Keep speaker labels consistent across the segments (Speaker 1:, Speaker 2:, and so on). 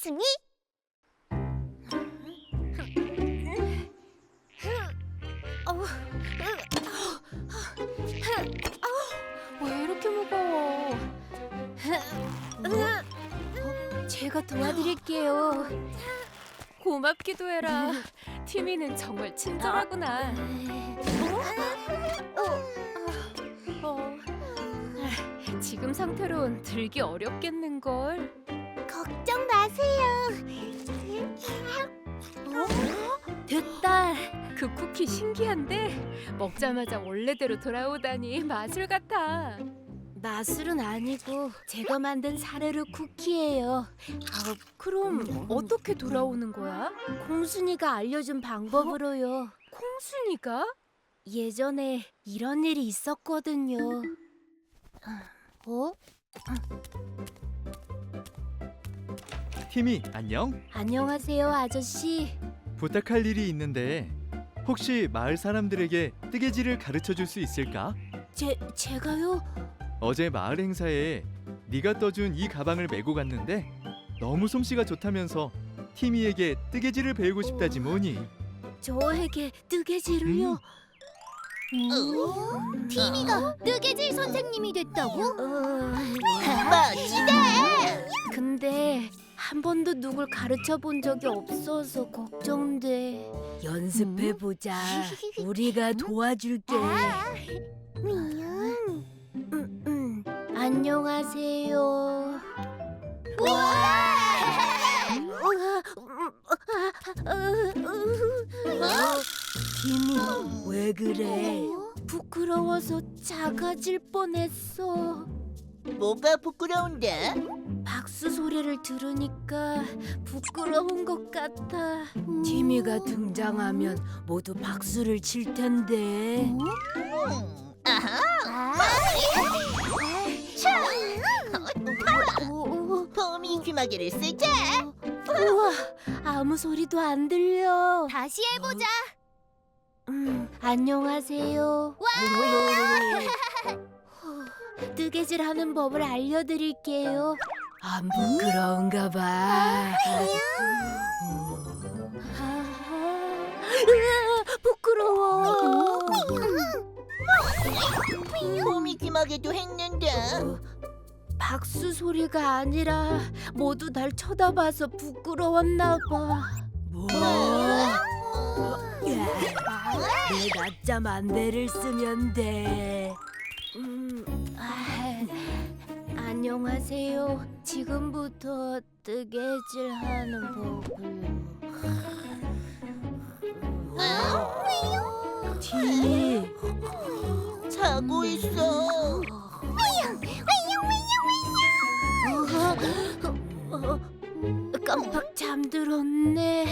Speaker 1: 복숭이?
Speaker 2: 왜 이렇게 무거워? 제가 도와드릴게요. 고맙기도 해라. 티미는 정말 친절하구나. 지금 상태론 들기 어렵겠는걸.
Speaker 1: 걱정 마세요.
Speaker 2: 됐다. 그 쿠키 신기한데 먹자마자 원래대로 돌아오다니 마술 같아. 마술은 아니고 제가 만든 사르르 쿠키예요. 그럼 어떻게 돌아오는 거야? 콩순이가 알려준 방법으로요. 콩순이가? 예전에 이런 일이 있었거든요.
Speaker 3: 티미, 안녕?
Speaker 2: 안녕하세요, 아저씨.
Speaker 3: 부탁할 일이 있는데 혹시 마을 사람들에게 뜨개질을 가르쳐 줄 수 있을까?
Speaker 2: 제가요?
Speaker 3: 어제 마을 행사에 네가 떠준 이 가방을 메고 갔는데 너무 솜씨가 좋다면서 티미에게 뜨개질을 배우고 싶다지 뭐니.
Speaker 2: 저에게 뜨개질을요?
Speaker 1: 티미가 뜨개질 선생님이 됐다고?
Speaker 2: 멋지다! 근데 한 번도 누굴 가르쳐 본 적이 없어서 걱정돼. 연습해보자. 우리가 도와줄게. 안녕하세요. 티미, 왜 그래? 부끄러워서 작아질 뻔했어.
Speaker 4: 뭐가 부끄러운데?
Speaker 2: 박수 소리를 들으니까 부끄러운 것 같아. 티미가 등장하면 모두 박수를 칠 텐데.
Speaker 4: 폼이 귀마개를 쓰자.
Speaker 2: 우와, 아무 소리도 안 들려.
Speaker 1: 다시 해보자.
Speaker 2: 안녕하세요. 뜨개질 하는 법을 알려드릴게요. 안 부끄러운가 봐. 부끄러워.
Speaker 4: 폼이 귀마개도 했는데.
Speaker 2: 박수 소리가 아니라 모두 날 쳐다봐서 부끄러웠나 봐. 내 낮잠 안대를 쓰면 돼. 안녕하세요. 지금부터 뜨개질하는 법을. 티미.
Speaker 4: 자고 있어.
Speaker 2: 깜빡 잠들었네.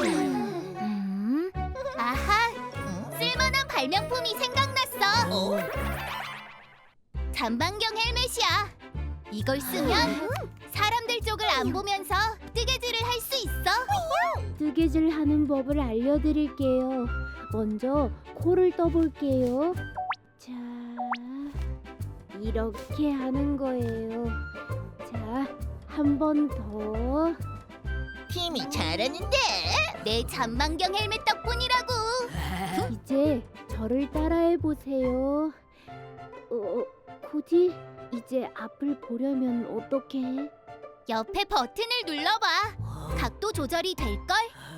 Speaker 1: 아하, 쓸만한 발명품이 생각났어. 잠방경 헬멧이야. 이걸 쓰면 사람들 쪽을 안 보면서 뜨개질을 할 수 있어.
Speaker 2: 뜨개질 하는 법을 알려드릴게요. 먼저 코를 떠볼게요. 자, 이렇게 하는 거예요. 자, 한 번 더.
Speaker 4: 팀이 잘하는데.
Speaker 1: 내 잠방경 헬멧 덕분이라고.
Speaker 2: 이제 저를 따라해 보세요. 코디, 이제 앞을 보려면 어떻게 해?
Speaker 1: 옆에 버튼을 눌러봐. 각도 조절이 될걸?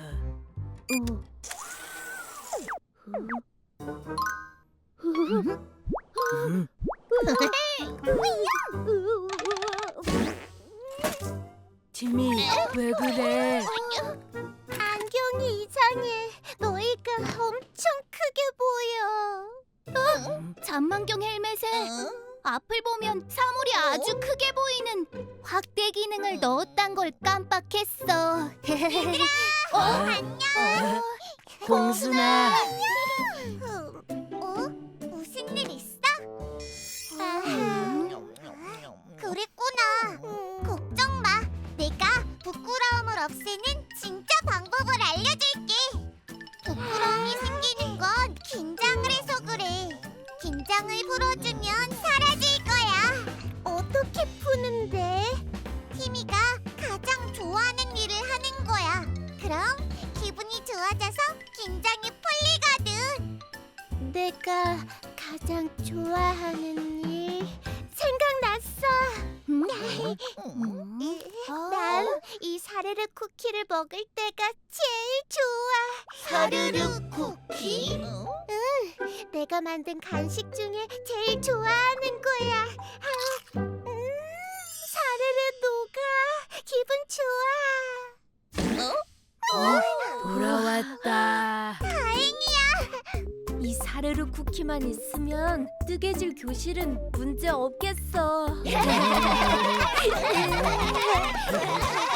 Speaker 2: 티미, 왜 그래?
Speaker 1: 안경이 이상해. 너희가 엄청 크게 보여. 잠만경 헬멧에 앞을 보면 사물이 아주 크게 보이는 확대 기능을 넣었단 걸 깜빡했어. 얘들아! 안녕!
Speaker 2: 공순아.
Speaker 1: 무슨 일 있어? 그랬구나. 걱정 마. 내가 부끄러움을 없애는 진짜 방법을 알려줄게. 부끄러움이 생기는 건 긴장을 해서 그래. 긴장을 풀어주면 사라질 거야. 어떻게 푸는데? 티미가 가장 좋아하는 일을 기분이 좋아져서 긴장이 풀리거든.
Speaker 2: 내가 가장 좋아하는 일 생각났어. 난 이 사르르 쿠키를 먹을 때가 제일 좋아.
Speaker 4: 사르르 쿠키?
Speaker 2: 내가 만든 간식 중에 제일 좋아하는 거야. 사르르 녹아. 기분 좋아. 돌아왔다.
Speaker 1: 다행이야.
Speaker 2: 이 사르르 쿠키만 있으면 뜨개질 교실은 문제 없겠어.